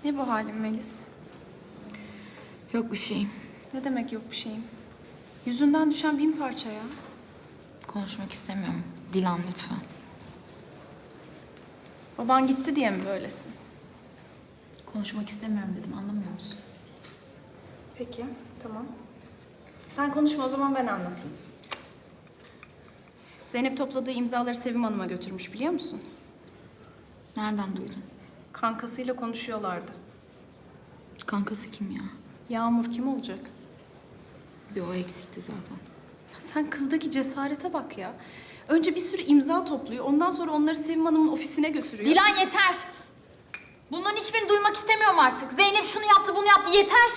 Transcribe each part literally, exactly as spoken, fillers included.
Ne bu halin Melis? Yok bir şeyim. Ne demek yok bir şeyim? Yüzünden düşen bin parça ya. Konuşmak istemiyorum. Dilan lütfen. Baban gitti diye mi böylesin? Konuşmak istemiyorum dedim, anlamıyor musun? Peki, tamam. Sen konuşma, o zaman ben anlatayım. Zeynep topladığı imzaları Sevim Hanım'a götürmüş, biliyor musun? Nereden duydun? Kankasıyla konuşuyorlardı. Kankası kim ya? Yağmur kim olacak? Bir o eksikti zaten. Ya sen kızdaki cesarete bak ya. Önce bir sürü imza topluyor, ondan sonra onları Sevim Hanım'ın ofisine götürüyor. Dilan yeter! Bunların hiçbirini duymak istemiyorum artık. Zeynep şunu yaptı, bunu yaptı, yeter!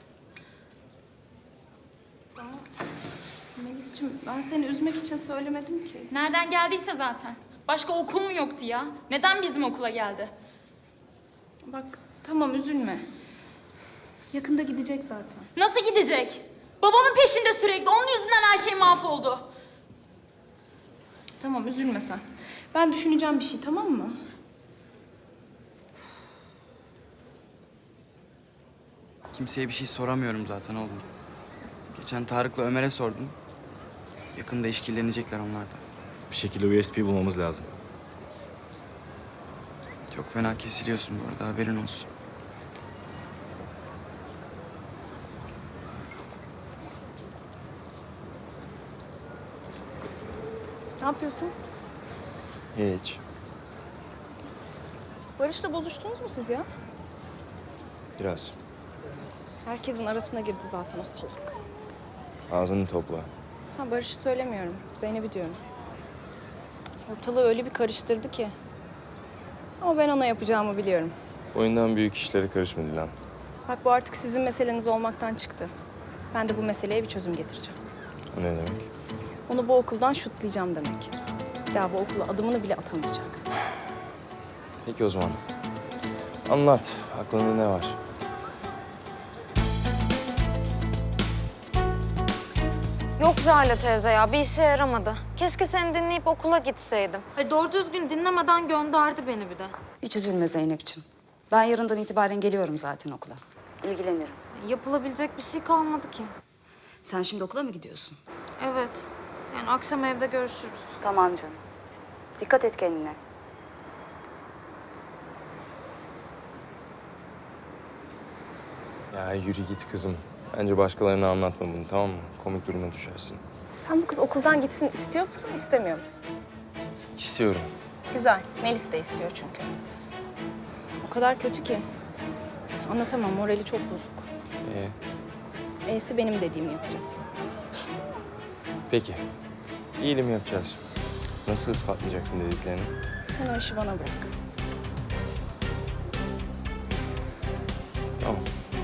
Tamam. Melis'ciğim, ben seni üzmek için söylemedim ki. Nereden geldiyse zaten. Başka okul mu yoktu ya? Neden bizim okula geldi? Bak, tamam üzülme. Yakında gidecek zaten. Nasıl gidecek? Babamın peşinde sürekli. Onun yüzünden her şey mahvoldu. Tamam, üzülme sen. Ben düşüneceğim bir şey, tamam mı? Kimseye bir şey soramıyorum zaten oğlum. Geçen Tarık'la Ömer'e sordum. Yakında işkillenecekler onlar da. Bir şekilde U S B bulmamız lazım. Çok fena kesiliyorsun bu arada, haberin olsun. Ne yapıyorsun? Hiç. Barış'la bozuştunuz mu siz ya? Biraz. Herkesin arasına girdi zaten o salak. Ağzını topla. Ha, Barış'ı söylemiyorum. Zeynep'i diyorum. Ortalığı öyle bir karıştırdı ki. Ama ben ona yapacağımı biliyorum. Oyundan büyük işlere karışma Dilan. Bak, bu artık sizin meseleniz olmaktan çıktı. Ben de bu meseleye bir çözüm getireceğim. O ne demek? Onu bu okuldan şutlayacağım demek. Bir daha bu okula adımını bile atamayacak. Peki o zaman. Anlat. Aklında ne var? Yok Zahra teyze ya, bir işe yaramadı. Keşke seni dinleyip okula gitseydim. Hayır, doğru düzgün dinlemeden gönderdi beni bir de. Hiç üzülme Zeynep'ciğim. Ben yarından itibaren geliyorum zaten okula. İlgilenirim. Yapılabilecek bir şey kalmadı ki. Sen şimdi okula mı gidiyorsun? Evet, yani akşam evde görüşürüz. Tamam canım. Dikkat et kendine. Ya yürü git kızım. Bence başkalarına anlatma bunu, tamam mı? Komik duruma düşersin. Sen bu kız okuldan gitsin istiyor musun, istemiyor musun? İstiyorum. Güzel. Melis de istiyor çünkü. O kadar kötü ki. Anlatamam, morali çok bozuk. Ee, E'si benim dediğimi yapacağız. peki. İyiliğimi yapacağız. Nasıl ispatlayacaksın dediklerini? Sen o işi bana bırak. Tamam.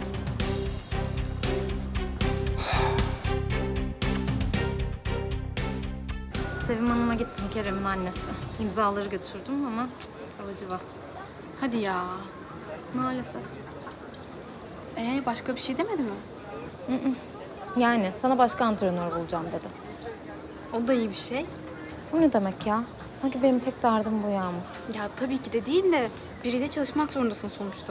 Sevim Hanım'a gittim, Kerem'in annesi. İmzaları götürdüm ama cık, alıcı var. Hadi ya. Maalesef. Ee başka bir şey demedi mi? Yani sana başka antrenör bulacağım dedi. O da iyi bir şey. Bu ne demek ya? Sanki benim tek derdim bu Yağmur. Ya tabii ki de değil de biriyle çalışmak zorundasın sonuçta.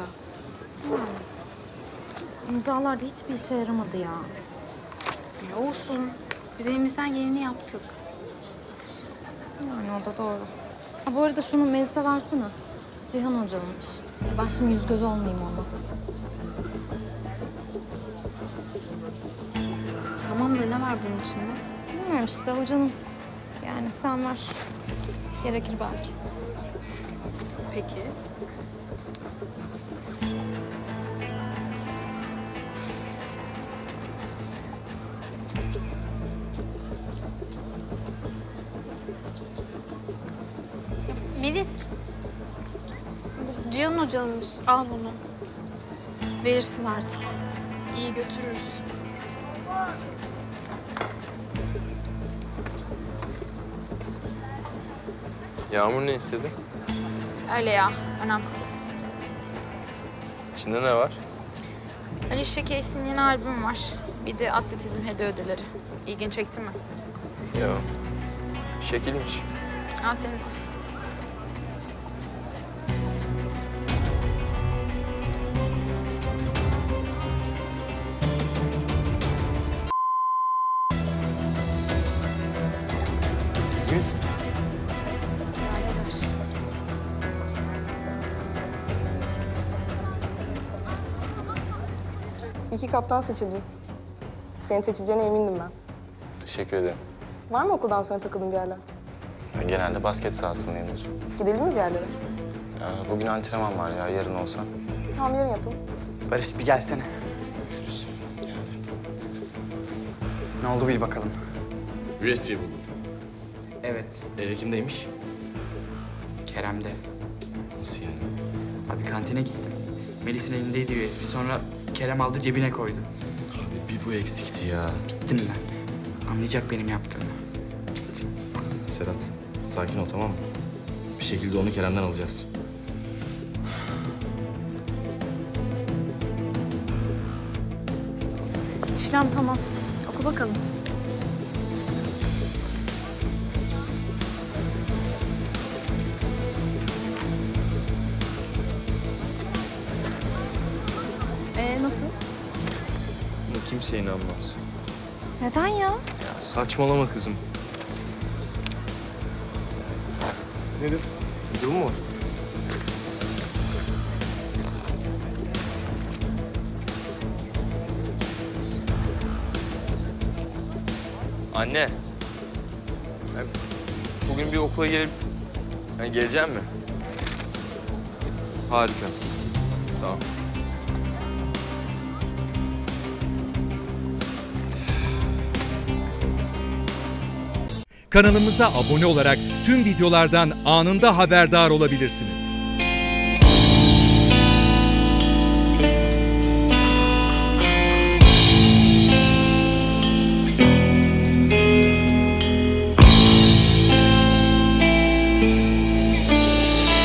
İmzalar da hiçbir işe yaramadı ya. Ya olsun. Biz elimizden geleni yaptık. Yani o da doğru. Ha, bu arada şunu Melis'e versene. Cihan Hoca'nınmış. Ben şimdi yüz göz olmayayım ona. Tamam da ne var bunun içinde? Bilmiyorum işte hocanın. Yani sen ver. Gerekir belki. Peki. Melis. Bu Cihan Hoca'nınmış. Al bunu. Verirsin artık. İyi götürürüz. Yağmur ne istedi? Öyle ya, önemsiz. İçinde ne var? Alicia Keys'in yeni albümü var. Bir de atletizm hediye ödülleri. İlgini çekti mi? Yok. Şekilmiş. Al senin olsun. İki kaptan seçildim. Seni seçeceğine emindim ben. Teşekkür ederim. Var mı okuldan sonra takıldığın bir yerler? Ben genelde basket sahasındayımdır. Gidelim mi bir yerlere? Ya bugün antrenman var ya, yarın olsa. Tamam, yarın yapalım. Barış bir gelsene. Görüşürüz. Gel hadi. Ne oldu bil bakalım. U S B buldum. Evet, Ee, kimdeymiş? Kerem'de. Nasıl yani? Abi kantine gittim. Melis'in elindeydi U S B. Sonra Kerem aldı cebine koydu. Abi bir bu eksikti ya. Bittim ben. Anlayacak benim yaptığımı. Bittim. Serhat, sakin ol tamam mı? Bir şekilde onu Kerem'den alacağız. İşlem tamam. Oku bakalım. Ee nasıl? Buna kimse inanmaz. Neden ya? Ya saçmalama kızım. Nedir? Bir durum mu var? Anne. Ya bugün bir okula gelip... Yani geleceğim mi? Harika. Tamam. Kanalımıza abone olarak tüm videolardan anında haberdar olabilirsiniz.